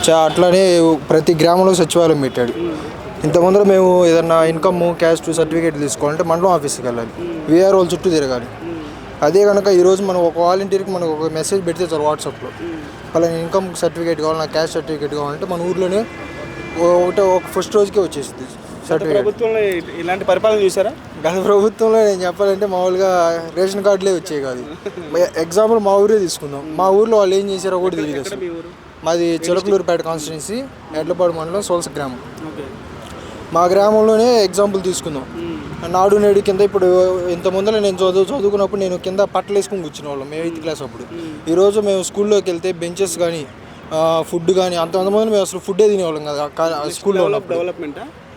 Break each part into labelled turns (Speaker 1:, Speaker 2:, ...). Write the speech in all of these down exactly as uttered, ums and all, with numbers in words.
Speaker 1: చా అట్లానే ప్రతి గ్రామంలో సచివాలయం పెట్టాడు. ఇంతకుముందు మేము ఏదన్నా ఇన్కమ్ క్యాస్ట్ సర్టిఫికేట్ తీసుకోవాలంటే మండలం ఆఫీస్కి వెళ్ళాలి, వీఆర్ఓల చుట్టూ తిరగాలి. అదే కనుక ఈరోజు మనం ఒక వాలంటీర్కి మనకు ఒక మెసేజ్ పెడితే చాలు వాట్సాప్లో, అలా ఇన్కమ్ సర్టిఫికేట్ కావాలి, నాకు క్యాస్ట్ సర్టిఫికేట్ కావాలంటే మన ఊర్లోనే ఒకటే ఒక ఫస్ట్ రోజుకే వచ్చేసింది సర్టిఫికేట్.
Speaker 2: ప్రభుత్వంలో ఇలాంటి పరిపాలన చూసారా?
Speaker 1: గత ప్రభుత్వంలో నేను చెప్పాలంటే మామూలుగా రేషన్ కార్డులే వచ్చాయి కాదు. ఎగ్జాంపుల్ మా ఊరే తీసుకుందాం, మా ఊర్లో వాళ్ళు ఏం చేశారో కూడా తెలియదు అసలు. మాది చిలకలూరుపేట కాన్స్టిట్యున్సీ, ఎడ్లపాడు మండలం, సోల్స గ్రామం. మా గ్రామంలోనే ఎగ్జాంపుల్ తీసుకుందాం. నాడు నేడు కింద ఇప్పుడు ఇంత ముందర నేను చదువు చదువుకున్నప్పుడు నేను కింద పట్టలు వేసుకుని కూర్చునే వాళ్ళం మేము ఎయిత్ క్లాస్ అప్పుడు. ఈరోజు మేము స్కూల్లోకి వెళ్తే బెంచెస్ కానీ ఫుడ్ కానీ అంతమంది మేము అసలు ఫుడ్డే తినేవాళ్ళం కదా స్కూల్లో.
Speaker 2: డెవలప్మెంట్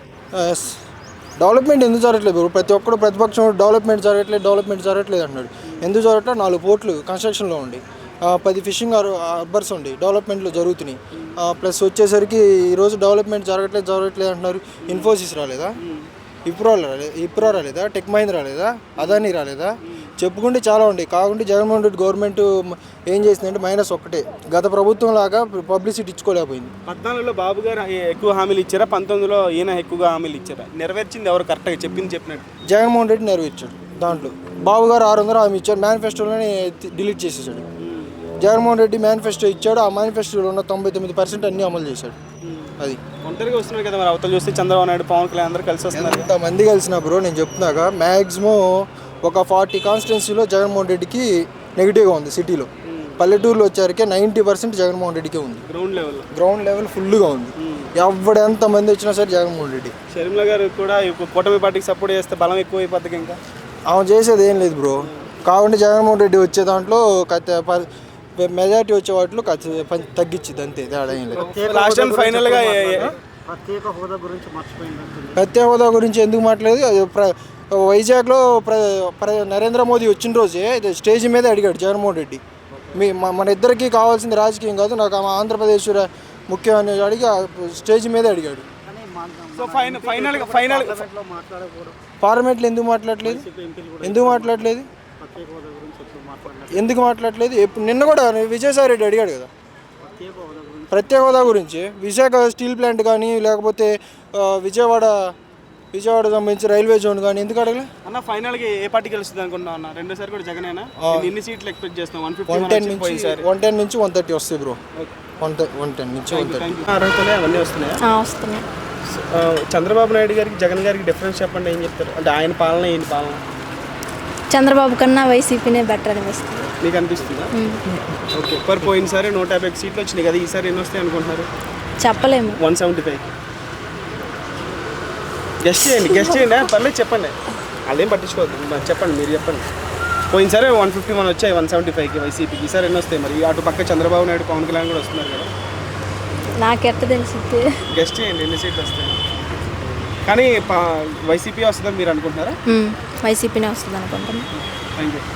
Speaker 1: డెవలప్మెంట్ ఎందుకు జరగట్లేదు? ప్రతి ఒక్కరు ప్రతిపక్షం డెవలప్మెంట్ జరగట్లేదు డెవలప్మెంట్ జరగట్లేదు అంటున్నాడు. ఎందుకు జరగట్లేదు? నాలుగు పోర్ట్లు కన్స్ట్రక్షన్లో ఉండి, పది ఫిషింగ్ హార్బర్స్ ఉండి డెవలప్మెంట్లో జరుగుతున్నాయి. ప్లస్ వచ్చేసరికి ఈరోజు డెవలప్మెంట్ జరగట్లేదు జరగట్లేదు అంటున్నారు. ఇన్ఫోసిస్ రాలేదా? ఇప్రో రాలేదు ఇప్రో రాలేదా? టెక్ మహీంద్రా రాలేదా? అదానీ రాలేదా? చెప్పుకుంటే చాలా ఉంటాయి. కాకుంటే జగన్మోహన్ రెడ్డి గవర్నమెంట్ ఏం చేసిందంటే మైనస్ ఒక్కటే, గత ప్రభుత్వం లాగా పబ్లిసిటీ ఇచ్చుకోలేకపోయింది.
Speaker 2: పద్నాలుగులో బాబు గారు ఎక్కువ హామీలు ఇచ్చారా, పంతొమ్మిదిలో ఈయన ఎక్కువగా హామీలు ఇచ్చారా? నెరవేర్చింది ఎవరు కరెక్ట్గా చెప్పింది చెప్పినట్టు?
Speaker 1: జగన్మోహన్ రెడ్డి నెరవేర్చాడు. దాంట్లో బాబు గారు ఆరు వందలు హామీ ఇచ్చాడు, మేనిఫెస్టోలోనే డిలీట్ చేసేసాడు. జగన్మోహన్ రెడ్డి మేనిఫెస్టో ఇచ్చాడు, ఆ మేనిఫెస్టోలో ఉన్న తొంభై తొమ్మిది పర్సెంట్ అన్నీ అమలు చేశాడు. అది
Speaker 2: ఒంటరిగా వస్తున్నారు కదా మరి, అవతల చూస్తే చంద్రబాబు నాయుడు, పవన్ కళ్యాణ్ అందరూ కలిసి వస్తున్నారు.
Speaker 1: ఎంతమంది కలిసిన బ్రో నేను చెప్తున్నాక మ్యాక్సిమం ఒక ఫార్టీ కాన్స్టిట్యున్సీలో జగన్మోహన్ రెడ్డికి నెగిటివ్గా ఉంది. సిటీలో పల్లెటూరులో వచ్చారికే నైంటీ పర్సెంట్ జగన్మోహన్ రెడ్డికే ఉంది.
Speaker 2: గ్రౌండ్ లెవెల్
Speaker 1: గ్రౌండ్ లెవెల్ ఫుల్గా ఉంది. ఎవడు ఎంతమంది వచ్చినా సరే జగన్మోహన్ రెడ్డి.
Speaker 2: షర్మిల గారు కూడా కూటమి పార్టీకి సపోర్ట్ చేస్తే బలం ఎక్కువ అయిపోతుంది. ఇంకా
Speaker 1: ఆమె చేసేది ఏం లేదు బ్రో. కాబట్టి జగన్మోహన్ రెడ్డి వచ్చే దాంట్లో మెజారిటీ వచ్చే వాటిలో తగ్గించింది అంతే, తేడా ఏం లేదు.
Speaker 2: లాస్ట్ అండ్ ఫైనల్గా
Speaker 3: ప్రత్యేక హోదా గురించి మర్చిపోయింది.
Speaker 1: ప్రత్యేక హోదా గురించి ఎందుకు మాట్లాడలేదు? వైజాగ్లో ప్ర ప్ర నరేంద్ర మోదీ వచ్చిన రోజే స్టేజ్ మీదే అడిగాడు జగన్మోహన్ రెడ్డి, మీ మన ఇద్దరికి కావాల్సింది రాజకీయం కాదు, నాకు ఆంధ్రప్రదేశ్ ముఖ్యం అని అడిగి స్టేజ్ మీదే అడిగాడు.
Speaker 2: సో ఫైనల్ ఫైనల్గా ఫైనల్
Speaker 1: పార్లమెంట్లో ఎందుకు మాట్లాడలేదు? ఎందుకు మాట్లాడలేదు? ఎందుకు మాట్లాడలేదు? ఎప్పుడు నిన్న కూడా విజయసాయి రెడ్డి అడిగాడు కదా ప్రత్యేక హోదా గురించి. విశాఖ స్టీల్ ప్లాంట్ కానీ లేకపోతే విజయవాడ విజయవాడ సంబంధించి రైల్వే జోన్ కానీ ఎందుకు అడగలే
Speaker 2: అన్న? ఫైనల్గా ఏ పార్టీ గెలుస్తుంది అనుకుంటున్నావు అన్న? రెండోసారి కూడా జగనేనా? ఎన్ని సీట్లు ఎక్స్పెక్ట్ చేస్తాం? వన్ ఫిఫ్టీ
Speaker 1: వన్ టెన్ నుంచి వన్ టెన్ నుంచి వన్ థర్టీ వస్తాయి బ్రో. వన్ వన్ టెన్ నుంచి వన్ థర్టీ
Speaker 2: అర్హతలే అవన్నీ వస్తున్నాయి. చంద్రబాబు నాయుడు గారికి జగన్ గారికి డిఫరెన్స్ చెప్పండి, ఏం చెప్తారు? అంటే ఆయన పాలన ఈయన పాలన
Speaker 4: చంద్రబాబు కన్నా వైసీపీనే బెటర్ అనిపిస్తుంది.
Speaker 2: మీకు అనిపిస్తుందా? ఓకే. పర్ పోయినసారి నూట యాభై సీట్లు వచ్చినాయి కదా, ఈసారి ఎన్ని వస్తాయి అనుకుంటున్నారు?
Speaker 4: చెప్పలేము.
Speaker 2: వన్ సెవెంటీ ఫైవ్ గెస్ట్ చేయండి గెస్ట్ చేయండి పర్లేదు చెప్పండి, అదేం పట్టించుకోవద్దు, చెప్పండి మీరు చెప్పండి. పోయినసారి వన్ ఫిఫ్టీ వన్ వచ్చాయి వన్ సెవెంటీ ఫైవ్కి వైసీపీకి, ఈసారి ఎన్ని వస్తాయి మరి? అటు పక్క చంద్రబాబు నాయుడు, పవన్ కళ్యాణ్ కూడా వస్తున్నారు కదా.
Speaker 4: నాకెట్ట తెలిసింది?
Speaker 2: గెస్ట్ చేయండి ఎన్ని సీట్లు వస్తాయి. కానీ వైసీపీ వస్తుందని మీరు అనుకుంటున్నారా?
Speaker 4: వైసీపీనే వస్తుంది అనుకుంటున్నాను.
Speaker 2: Thank you.